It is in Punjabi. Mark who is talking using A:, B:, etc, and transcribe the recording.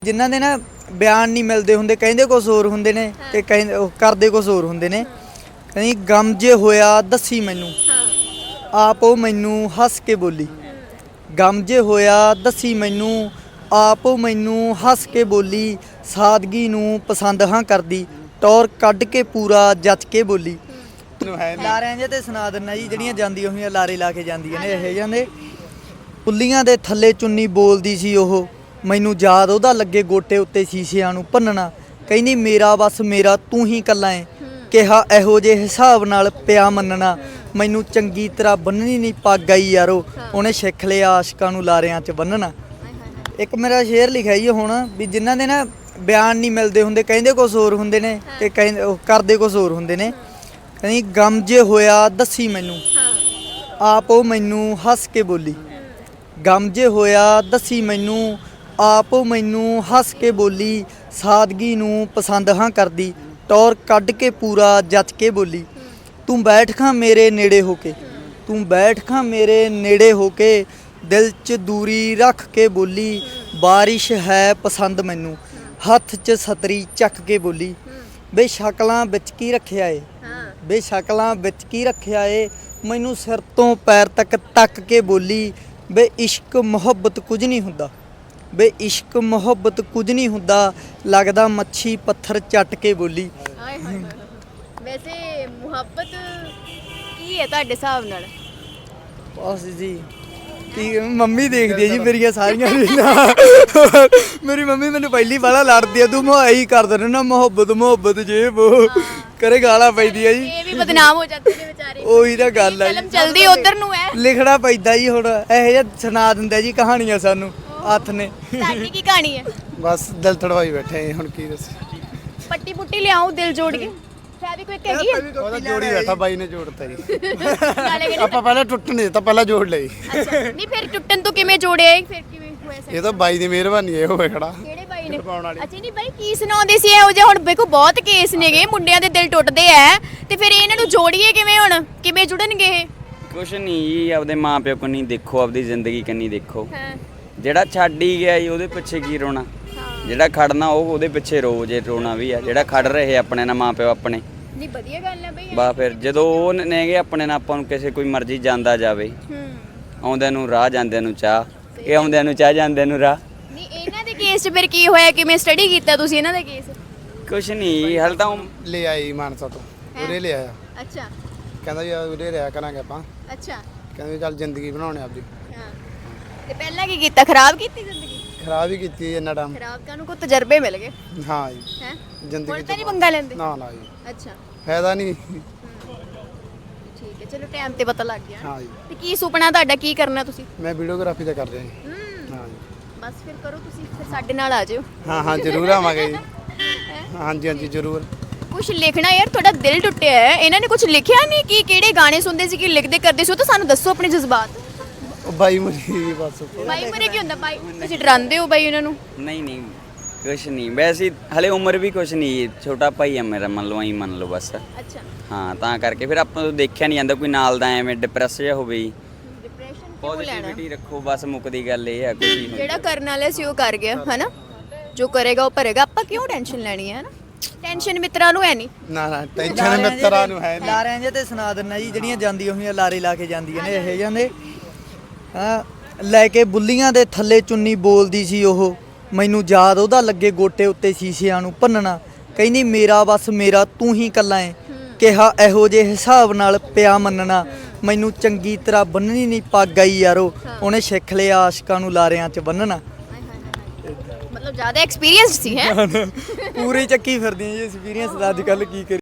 A: ਜਿਨ੍ਹਾਂ ਦੇ ਨਾ ਬਿਆਨ ਨਹੀਂ ਮਿਲਦੇ ਹੁੰਦੇ, ਕਹਿੰਦੇ ਕੁਛ ਹੋਰ ਹੁੰਦੇ ਨੇ ਤੇ ਕਹਿੰਦੇ ਕਰਦੇ ਕੁਛ ਹੋਰ ਹੁੰਦੇ ਨੇ। ਕਹਿੰਦੀ ਗਮ ਜੇ ਹੋਇਆ ਦੱਸੀ ਮੈਨੂੰ, ਆਪ ਉਹ ਮੈਨੂੰ ਹੱਸ ਕੇ ਬੋਲੀ। ਗਮ ਜੇ ਹੋਇਆ ਦੱਸੀ ਮੈਨੂੰ, ਆਪ ਉਹ ਮੈਨੂੰ ਹੱਸ ਕੇ ਬੋਲੀ। ਸਾਦਗੀ ਨੂੰ ਪਸੰਦ ਹਾਂ ਕਰਦੀ, ਟੌਰ ਕੱਢ ਕੇ ਪੂਰਾ ਜੱਚ ਕੇ ਬੋਲੀ। ਲਾਰਿਆਂ ਜੇ ਤੇ ਸੁਣਾ ਦਿੰਦਾ ਜੀ, ਜਿਹੜੀਆਂ ਜਾਂਦੀਆਂ ਹੋਈਆਂ ਲਾਰੇ ਲਾ ਕੇ ਜਾਂਦੀਆਂ ਨੇ ਇਹ ਜਾਂਦੇ। ਪੁੱਲੀਆਂ ਦੇ ਥੱਲੇ ਚੁੰਨੀ ਬੋਲਦੀ ਸੀ ਉਹ, ਮੈਨੂੰ ਯਾਦ ਉਹਦਾ ਲੱਗੇ ਗੋਟੇ ਉੱਤੇ ਸ਼ੀਸ਼ਿਆਂ ਨੂੰ ਭੰਨਣਾ। ਕਹਿੰਦੀ ਮੇਰਾ ਬਸ ਮੇਰਾ ਤੂੰ ਹੀ ਕੱਲਾ ਏ, ਕਿਹਾ ਇਹੋ ਜਿਹੇ ਹਿਸਾਬ ਨਾਲ ਪਿਆ ਮੰਨਣਾ। ਮੈਨੂੰ ਚੰਗੀ ਤਰ੍ਹਾਂ ਬੰਨਣੀ ਨਹੀਂ ਪੱਗ ਆਈ ਯਾਰੋ, ਉਹਨੇ ਸਿੱਖ ਲਿਆ ਆਸ਼ਕਾਂ ਨੂੰ ਲਾਰਿਆਂ 'ਚ ਬੰਨਣਾ। ਇੱਕ ਮੇਰਾ ਸ਼ੇਰ ਲਿਖਿਆ ਜੀ ਹੁਣ ਵੀ ਜਿਨ੍ਹਾਂ ਦੇ ਨਾ ਬਿਆਨ ਨਹੀਂ ਮਿਲਦੇ ਹੁੰਦੇ, ਕਹਿੰਦੇ ਕੁਛ ਹੋਰ ਹੁੰਦੇ ਨੇ ਤੇ ਕਹਿੰਦੇ ਕਰਦੇ ਕੁਛ ਹੋਰ ਹੁੰਦੇ ਨੇ। ਕਹਿੰਦੀ ਗਮ ਜੇ ਹੋਇਆ ਦੱਸੀ ਮੈਨੂੰ, ਆਪ ਉਹ ਮੈਨੂੰ ਹੱਸ ਕੇ ਬੋਲੀ। ਗਮ ਜੇ ਹੋਇਆ ਦੱਸੀ ਮੈਨੂੰ, ਆਪ ਉਹ ਮੈਨੂੰ ਹੱਸ ਕੇ ਬੋਲੀ। ਸਾਦਗੀ ਨੂੰ ਪਸੰਦ ਹਾਂ ਕਰਦੀ, ਟੌਰ ਕੱਢ ਕੇ ਪੂਰਾ ਜੱਚ ਕੇ ਬੋਲੀ। ਤੂੰ ਬੈਠ ਖਾਂ ਮੇਰੇ ਨੇੜੇ ਹੋ ਕੇ, ਤੂੰ ਬੈਠ ਖਾਂ ਮੇਰੇ ਨੇੜੇ ਹੋ ਕੇ, ਦਿਲ 'ਚ ਦੂਰੀ ਰੱਖ ਕੇ ਬੋਲੀ। ਬਾਰਿਸ਼ ਹੈ ਪਸੰਦ ਮੈਨੂੰ, ਹੱਥ 'ਚ ਛਤਰੀ ਚੱਕ ਕੇ ਬੋਲੀ। ਬੇ ਸ਼ਕਲਾਂ ਵਿੱਚ ਕੀ ਰੱਖਿਆ ਏ, ਬੇ ਸ਼ਕਲਾਂ ਵਿੱਚ ਕੀ ਰੱਖਿਆ ਏ, ਮੈਨੂੰ ਸਿਰ ਤੋਂ ਪੈਰ ਤੱਕ ਤੱਕ ਕੇ ਬੋਲੀ। ਬੇ ਇਸ਼ਕ ਮੁਹੱਬਤ ਕੁਝ ਨਹੀਂ ਹੁੰਦਾ, ਬੇ ਇਸ਼ਕ ਮੁਹੱਬਤ ਕੁਝ ਨਹੀਂ ਹੁੰਦਾ, ਲੱਗਦਾ ਮੱਛੀ ਪੱਥਰ ਚੱਟ ਕੇ ਬੋਲੀ।
B: ਵੈਸੇ ਮੁਹੱਬਤ ਕੀ ਹੈ ਤੁਹਾਡੇ ਹਿਸਾਬ ਨਾਲ?
A: ਬਸ ਜੀ ਕੀ ਮੰਮੀ ਦੇਖਦੀ ਹੈ ਜੀ ਮੇਰੀਆਂ ਸਾਰੀਆਂ ਰੀਲਾਂ। ਮੇਰੀ ਮੰਮੀ ਮੈਨੂੰ ਪਹਿਲੀ ਵਾਲਾ ਲੜਦੀ ਆ, ਤੂੰ ਇਹੀ ਕਰਦਾ ਰਹਿਣਾ ਮੁਹੱਬਤ ਮੁਹੱਬਤ ਜੇ ਉਹ ਕਰੇ ਗਾਲਾਂ ਪੈਂਦੀ ਆ ਜੀ।
B: ਇਹ ਵੀ ਬਦਨਾਮ ਹੋ ਜਾਂਦੇ ਨੇ ਵਿਚਾਰੇ।
A: ਉਹੀ ਤਾਂ ਗੱਲ ਆ ਜੀ,
B: ਫਿਲਮ ਚਲਦੀ ਉਧਰ ਨੂੰ ਹੈ,
A: ਲਿਖਣਾ ਪੈਂਦਾ ਜੀ। ਹੁਣ ਇਹੋ ਜਿਹਾ ਸੁਣਾ ਦਿੰਦਾ ਜੀ ਕਹਾਣੀਆਂ ਸਾਨੂੰ ਹੱਥ ਨੇ।
B: ਤੁਹਾਡੀ ਕੀ ਕਹਾਣੀ ਹੈ?
C: ਬਸ ਦਿਲ ਤੜਵਾਈ ਬੈਠੇ ਹੁਣ ਕੀ ਦੱਸ।
B: ਪੱਟੀ ਪੁੱਟੀ ਲਿਆਓ ਦਿਲ ਜੋੜ ਕੇ, ਫੈਵੀ ਕੋਈ ਹੈਗੀ ਹੈ?
C: ਉਹਦਾ ਜੋੜੀ ਬੈਠਾ ਬਾਈ ਨੇ ਜੋੜਤਾ ਜੀ।
B: ਨਾਲੇ ਕਹਿੰਦੇ
C: ਆਪਾਂ ਪਹਿਲਾਂ ਟੁੱਟਣ ਨਹੀਂ ਦਿੱਤਾ, ਪਹਿਲਾਂ ਜੋੜ ਲਈ।
B: ਅੱਛਾ ਨਹੀਂ ਫਿਰ ਟੁੱਟਣ ਤੋਂ ਕਿਵੇਂ ਜੋੜਿਆ ਇਹ? ਫਿਰ ਕਿਵੇਂ ਹੋਇਆ ਸੈੱਟ?
C: ਇਹ ਤਾਂ ਬਾਈ ਦੀ ਮਿਹਰਬਾਨੀ ਹੈ, ਹੋਵੇ ਖੜਾ।
B: ਕਿਹੜੇ ਬਾਈ ਨੇ?
C: ਪਾਉਣ ਵਾਲੀ।
B: ਅੱਛਾ ਨਹੀਂ ਬਾਈ ਕੀ ਸੁਣਾਉਂਦੇ ਸੀ ਇਹੋ ਜਿਹਾ? ਹੁਣ ਵੇਖੋ ਬਹੁਤ ਕੇਸ ਨੇਗੇ, ਮੁੰਡਿਆਂ ਦੇ ਦਿਲ ਟੁੱਟਦੇ ਐ ਤੇ ਫਿਰ ਇਹਨਾਂ ਨੂੰ ਜੋੜੀਏ ਕਿਵੇਂ? ਹੁਣ ਕਿਵੇਂ ਜੁੜਨਗੇ ਇਹ?
D: ਕੁਛ ਨਹੀਂ ਜੀ, ਆਪਦੇ ਮਾਪਿਓ ਕੰਨੀ ਦੇਖੋ, ਆਪਦੀ ਜ਼ਿੰਦਗੀ ਕੰਨੀ ਦੇਖੋ।
B: ਹਾਂ
D: ਜਿਹੜਾ ਛੱਡ ਹੀ ਗਿਆ ਜੀ ਉਹਦੇ ਪਿੱਛੇ ਕੀ ਰੋਣਾ, ਜਿਹੜਾ ਖੜਨਾ ਉਹਦੇ ਪਿੱਛੇ ਰੋ ਜੇ ਰੋਣਾ ਵੀ ਆ। ਜਿਹੜਾ ਖੜ ਰਹੇ ਆਪਣੇ ਨਾਲ ਮਾਪਿਓ ਆਪਣੇ,
B: ਨਹੀਂ ਵਧੀਆ ਗੱਲ ਹੈ ਬਈ।
D: ਬਾ ਫਿਰ ਜਦੋਂ ਉਹ ਨੇਗੇ ਆਪਣੇ ਨਾਲ, ਆਪਾਂ ਨੂੰ ਕਿਸੇ ਕੋਈ ਮਰਜ਼ੀ ਜਾਂਦਾ ਜਾਵੇ, ਆਉਂਦਿਆਂ ਨੂੰ ਰਾਹ ਜਾਂਦਿਆਂ ਨੂੰ ਚਾਹ, ਇਹ ਆਉਂਦਿਆਂ ਨੂੰ ਚਾਹ ਜਾਂਦਿਆਂ ਨੂੰ ਰਾਹ।
B: ਨਹੀਂ ਇਹਨਾਂ ਦੇ ਕੇਸ 'ਚ ਫਿਰ ਕੀ ਹੋਇਆ? ਕਿਵੇਂ ਸਟੱਡੀ ਕੀਤਾ ਤੁਸੀਂ ਇਹਨਾਂ ਦਾ ਕੇਸ?
D: ਕੁਛ ਨਹੀਂ ਹਾਲੇ ਤਾਂ
C: ਲੈ ਆਈ ਮਾਨਸਾ ਤੋਂ, ਉਰੇ ਲੈ ਆਇਆ।
B: ਅੱਛਾ
C: ਕਹਿੰਦਾ ਯਾਰ ਉਰੇ ਰਿਹਾ ਕਰਾਂਗੇ ਆਪਾਂ।
B: ਅੱਛਾ
C: ਕਹਿੰਦਾ ਵੀ ਚੱਲ ਜ਼ਿੰਦਗੀ ਬਣਾਉਣੇ ਆਪਦੀ।
B: ਹਾਂ ਤੇ ਪਹਿਲਾਂ ਕੀ ਕੀਤਾ? ਖਰਾਬ ਕੀਤੀ ਜ਼ਿੰਦਗੀ?
C: ਖਰਾਬ ਹੀ ਕੀਤੀ ਇੰਨਾ ਟਾਈਮ।
B: ਖਰਾਬ ਕਰਨ ਕੋ ਤਜਰਬੇ ਮਿਲ ਗਏ
C: ਹਾਂ ਜੀ,
B: ਹੈ?
C: ਜ਼ਿੰਦਗੀ
B: ਹੁਣ ਤਾਂ ਨਹੀਂ ਪੰਗਾ ਲੈਂਦੇ?
C: ਨਾ ਨਾ ਜੀ,
B: ਅੱਛਾ
C: ਫਾਇਦਾ ਨਹੀਂ।
B: ਠੀਕ ਹੈ, ਚਲੋ ਟਾਈਮ ਤੇ ਪਤਾ ਲੱਗ ਗਿਆ।
C: ਹਾਂ ਜੀ,
B: ਤੇ ਕੀ ਸੁਪਨਾ ਤੁਹਾਡਾ? ਕੀ ਕਰਨਾ ਤੁਸੀਂ?
C: ਮੈਂ ਵੀਡੀਓਗ੍ਰਾਫੀ ਦਾ ਕਰ ਰਿਹਾ ਜੀ। ਹਾਂ ਜੀ,
B: ਬਸ ਫਿਰ ਕਰੋ ਤੁਸੀਂ, ਫਿਰ ਸਾਡੇ ਨਾਲ ਆ ਜਿਓ।
C: ਹਾਂ ਹਾਂ ਜ਼ਰੂਰ ਆਵਾਂਗੇ ਜੀ। ਹਾਂਜੀ ਹਾਂਜੀ ਜ਼ਰੂਰ।
B: ਕੁਝ ਲਿਖਣਾ ਯਾਰ, ਤੁਹਾਡਾ ਦਿਲ ਟੁੱਟਿਆ ਹੈ। ਇਹਨਾਂ ਨੇ ਕੁਝ ਲਿਖਿਆ ਨਹੀਂ ਕਿ ਕਿਹੜੇ ਗਾਣੇ ਸੁਣਦੇ ਸੀ, ਕਿ ਲਿਖਦੇ ਕਰਦੇ ਸੀ? ਉਹ ਤਾਂ ਸਾਨੂੰ ਦੱਸੋ ਆਪਣੇ ਜਜ਼ਬਾਤ।
C: ਉਹ ਬਾਈ ਮਰੀ ਬਸ।
B: ਬਾਈ ਮਰੇ ਕੀ ਹੁੰਦਾ? ਬਾਈ ਤੁਸੀਂ ਡਰਾਉਂਦੇ ਹੋ ਬਾਈ ਇਹਨਾਂ ਨੂੰ?
D: ਨਹੀਂ ਨਹੀਂ ਕੁਛ ਨਹੀਂ, ਵੈਸੇ ਹਲੇ ਉਮਰ ਵੀ ਕੁਛ ਨਹੀਂ, ਛੋਟਾ ਭਾਈ ਆ ਮੇਰਾ, ਮੰਨ ਲਓ ਐਂ ਮੰਨ ਲਓ ਬਸ।
B: ਅੱਛਾ
D: ਹਾਂ ਤਾਂ ਕਰਕੇ ਫਿਰ ਆਪਾਂ ਨੂੰ ਦੇਖਿਆ ਨਹੀਂ ਜਾਂਦਾ ਕੋਈ ਨਾਲ ਦਾ ਐਵੇਂ ਡਿਪਰੈਸ ਜਿਹਾ ਹੋਵੇ ਜੀ।
B: ਡਿਪਰੈਸ਼ਨ ਕਿਉਂ ਲੈਣਾ?
D: ਪੋਜ਼ਿਟਿਵਿਟੀ ਰੱਖੋ ਬਸ, ਮੁੱਕਦੀ ਗੱਲ ਇਹ ਆ। ਕੁਛ ਨਹੀਂ
B: ਜਿਹੜਾ ਕਰਨ ਵਾਲਾ ਸੀ ਉਹ ਕਰ ਗਿਆ ਹਨਾ, ਜੋ ਕਰੇਗਾ ਉਹ ਭਰੇਗਾ। ਆਪਾਂ ਕਿਉਂ ਟੈਨਸ਼ਨ ਲੈਣੀ ਹੈ? ਹਨਾ ਟੈਨਸ਼ਨ ਮਿੱਤਰਾਂ ਨੂੰ ਹੈ ਨਹੀਂ।
C: ਨਾ ਨਾ ਟੈਨਸ਼ਨ ਮਿੱਤਰਾਂ ਨੂੰ ਹੈ ਨਹੀਂ।
A: ਲਾਰਿਆਂ ਜੇ ਤੇ ਸੁਣਾ ਦਿੰਦਾ ਜੀ, ਜਿਹੜੀਆਂ ਜਾਂਦੀਆਂ ਹੋਈਆਂ ਲਾਰੇ ਲਾ ਕੇ ਜਾਂਦੀਆਂ ਨੇ ਇਹ ਜਾਂਦੇ। ਹਾਂ ਲੈ ਕੇ ਬੁੱਲੀਆਂ ਦੇ ਥੱਲੇ ਚੁੰਨੀ ਬੋਲਦੀ ਸੀ ਉਹ, ਮੈਨੂੰ ਯਾਦ ਉਹਦਾ ਲੱਗੇ ਗੋਟੇ ਉੱਤੇ ਸ਼ੀਸ਼ਿਆਂ ਨੂੰ ਭੰਨਣਾ। ਕਹਿੰਦੀ ਮੇਰਾ ਬਸ ਮੇਰਾ ਤੂੰ ਹੀ ਕੱਲਾ ਏ, ਕਿਹਾ ਇਹੋ ਜਿਹੇ ਹਿਸਾਬ ਨਾਲ ਪਿਆ ਮੰਨਣਾ। ਮੈਨੂੰ ਚੰਗੀ ਤਰ੍ਹਾਂ ਬੰਨਣੀ ਨਹੀਂ ਪੱਗ ਆਈ ਯਾਰੋ, ਉਹਨੇ ਸਿੱਖ ਲਿਆ ਆਸ਼ਕਾਂ ਨੂੰ ਲਾਰਿਆਂ 'ਚ ਬੰਨਣਾ।
B: ਮਤਲਬ ਜ਼ਿਆਦਾ ਐਕਸਪੀਰੀਅੰਸਡ ਸੀ ਹੈ।
A: ਪੂਰੀ ਚੱਕੀ ਫਿਰਦੀਆਂ ਜੀ ਐਕਸਪੀਰੀਅੰਸ ਦਾ, ਅੱਜ ਕੱਲ੍ਹ ਕੀ ਕਰੀਏ।